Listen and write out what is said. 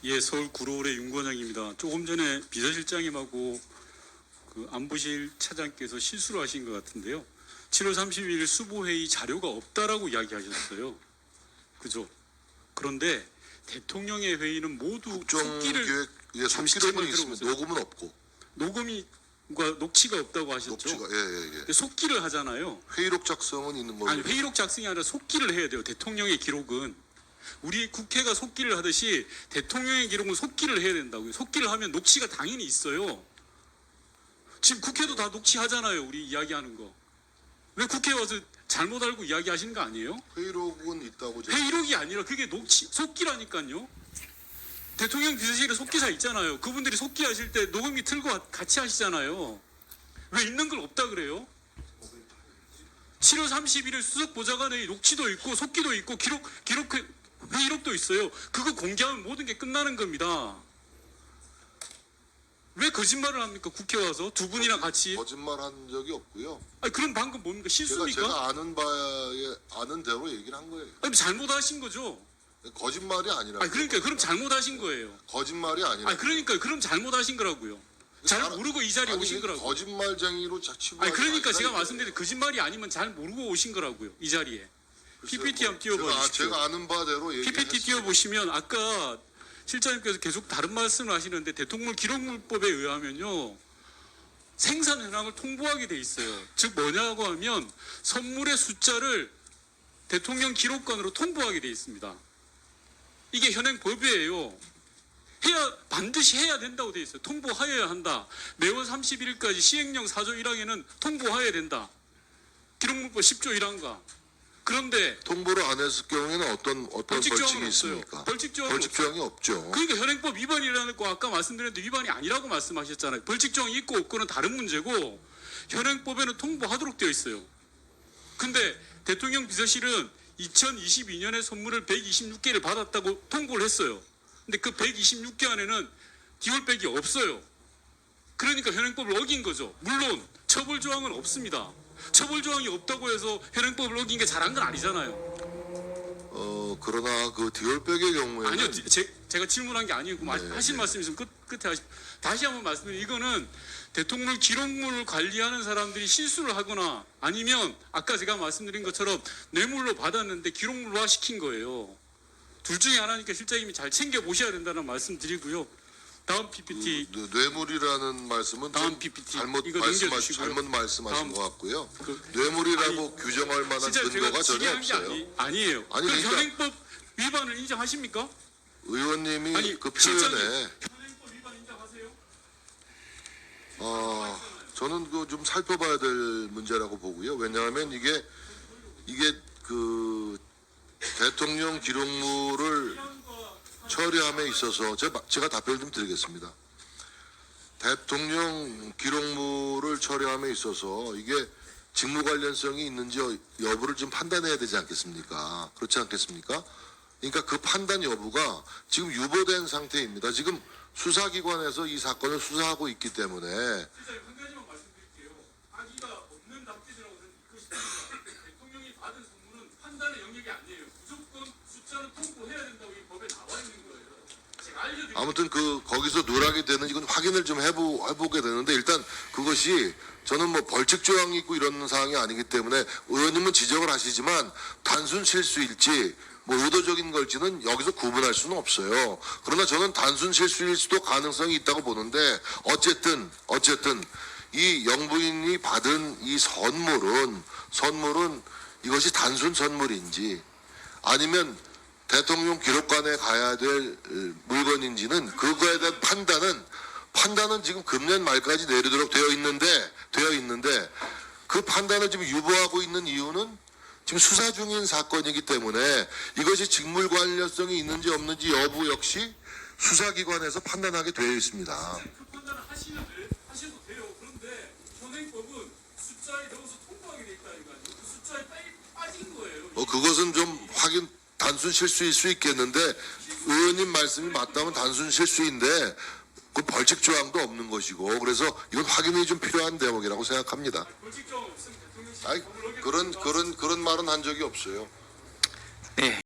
예, 서울 구로울의 윤건영입니다. 조금 전에 비서실장님하고 그 안보실 차장께서 실수를 하신 것 같은데요. 7월 30일 수보회의 자료가 없다라고 이야기하셨어요. 그죠? 그런데 대통령의 회의는 모두 속기를 속기록은 있으면 녹음은 없고 녹취가 없다고 하셨죠. 녹취가 근데 속기를 하잖아요. 회의록 작성은 있는 거고. 아니 회의록 작성이 아니라 속기를 해야 돼요. 대통령의 기록은. 우리 국회가 속기를 하듯이 대통령의 기록은 속기를 해야 된다고요. 속기를 하면 녹취가 당연히 있어요. 지금 국회도 다 녹취하잖아요. 우리 이야기하는 거. 왜 국회에 와서 잘못 알고 이야기하시는 거 아니에요? 회의록은 있다고. 회의록이 아니라 그게 녹취, 속기라니까요. 대통령 비서실에 속기사 있잖아요. 그분들이 속기 하실 때 녹음기 틀고 같이 하시잖아요. 왜 있는 걸 없다 그래요? 7월 31일 수석 보좌관의 녹취도 있고 속기도 있고 회의록도 있어요. 그거 공개하면 모든 게 끝나는 겁니다. 왜 거짓말을 합니까? 국회 와서 두 분이나 같이. 거짓말한 적이 없고요. 아니 그럼 방금 뭡니까? 실수입니까? 제가 아는 대로 얘기를 한 거예요. 아니 잘못하신 거죠. 거짓말이 아니라. 아니 그러니까 그럼 잘못하신 거예요. 거짓말이 아니라. 아니 그러니까 그럼 잘못하신 거라고요. 잘 모르고 이 자리에 오신 거라고. 거짓말쟁이로 치부. 아니 그러니까 제가 말씀드린 거짓말이 아니면 잘 모르고 오신 거라고요. 이 자리에. PPT 한번 띄워보십시오. 제가 아는 바대로 얘기했어요. PPT 띄워보시면 아까 실장님께서 계속 다른 말씀을 하시는데 대통령 기록물법에 의하면요. 생산 현황을 통보하게 돼 있어요. 즉 뭐냐고 하면 선물의 숫자를 대통령 기록관으로 통보하게 돼 있습니다. 이게 현행법이에요. 반드시 해야 된다고 돼 있어요. 통보하여야 한다. 매월 31일까지 시행령 4조 1항에는 통보하여야 된다. 기록물법 10조 1항과. 그런데 통보를 안 했을 경우에는 어떤 벌칙이 없어요. 있습니까? 벌칙 조항이 없죠. 그러니까 현행법 위반이라는 거 아까 말씀드렸는데 위반이 아니라고 말씀하셨잖아요. 벌칙 조항이 있고 없고는 다른 문제고 현행법에는 통보하도록 되어 있어요. 근데 대통령 비서실은 2022년에 선물을 126개를 받았다고 통보를 했어요. 근데 그 126개 안에는 디올백이 없어요. 그러니까 현행법을 어긴 거죠. 물론 처벌 조항은 없습니다. 처벌 조항이 없다고 해서 현행법을 어긴 게 잘한 건 아니잖아요. 그러나 그 디올백의 경우에는 아니요, 제가 질문한 게 아니고 하신 말씀 있으면 끝에 하십시오. 다시 한번 말씀드리면 이거는 대통령 기록물을 관리하는 사람들이 실수를 하거나 아니면 아까 제가 말씀드린 것처럼 뇌물로 받았는데 기록물화 시킨 거예요. 둘 중에 하나니까 실장님이 잘 챙겨 보셔야 된다는 말씀 드리고요. 다음 PPT. 뇌물이라는 말씀은 다음 PPT. 잘못 말씀하신 것 같고요. 뇌물이라고 규정할 만한 근거가 전혀 없어요. 아니에요. 아니, 그럼 그러니까 현행법 위반을 인정하십니까? 의원님이 그 실장님, 표현에 현행법 위반 인정하세요? 저는 그 좀 살펴봐야 될 문제라고 보고요. 왜냐하면 이게 그 대통령 기록물을 처리함에 있어서 제가 답변을 좀 드리겠습니다. 대통령 기록물을 처리함에 있어서 이게 직무 관련성이 있는지 여부를 좀 판단해야 되지 않겠습니까? 그렇지 않겠습니까? 그러니까 그 판단 여부가 지금 유보된 상태입니다. 지금 수사기관에서 이 사건을 수사하고 있기 때문에. 한 가지만 말씀드릴게요. 악의가 없는 답변이라고 이것입니다. 대통령이 받은 선물은 판단의 영역이 아니에요. 무조건 숫자는 통보해야 된다고 이 법에 나와 있는 거예요. 제가 알려드릴게요. 아무튼 거기서 누락이 되는지 이건 확인을 좀 해보게 되는데 일단 그것이 저는 뭐 벌칙 조항이 있고 이런 사항이 아니기 때문에 의원님은 지적을 하시지만 단순 실수일지 뭐 의도적인 걸지는 여기서 구분할 수는 없어요. 그러나 저는 단순 실수일 수도 가능성이 있다고 보는데 어쨌든 이 영부인이 받은 이 선물은 이것이 단순 선물인지 아니면 대통령 기록관에 가야 될 물건인지는 그거에 대한 판단은 지금 금년 말까지 내리도록 되어 있는데 그 판단을 지금 유보하고 있는 이유는 지금 수사 중인 사건이기 때문에 이것이 직무 관련성이 있는지 없는지 여부 역시 수사기관에서 판단하게 되어 있습니다. 그 판단을 하셔도 돼요. 그런데 현행법은 숫자에 넣어서 통보하게 돼 있다 이거 아니에요? 그 숫자에 빠진 거예요. 그것은 좀 단순 실수일 수 있겠는데 의원님 말씀이 맞다면 단순 실수인데 그 벌칙 조항도 없는 것이고 그래서 이건 확인이 좀 필요한 대목이라고 생각합니다. 벌칙 조항 없으면 대통령 그런 말은 한 적이 없어요. 네,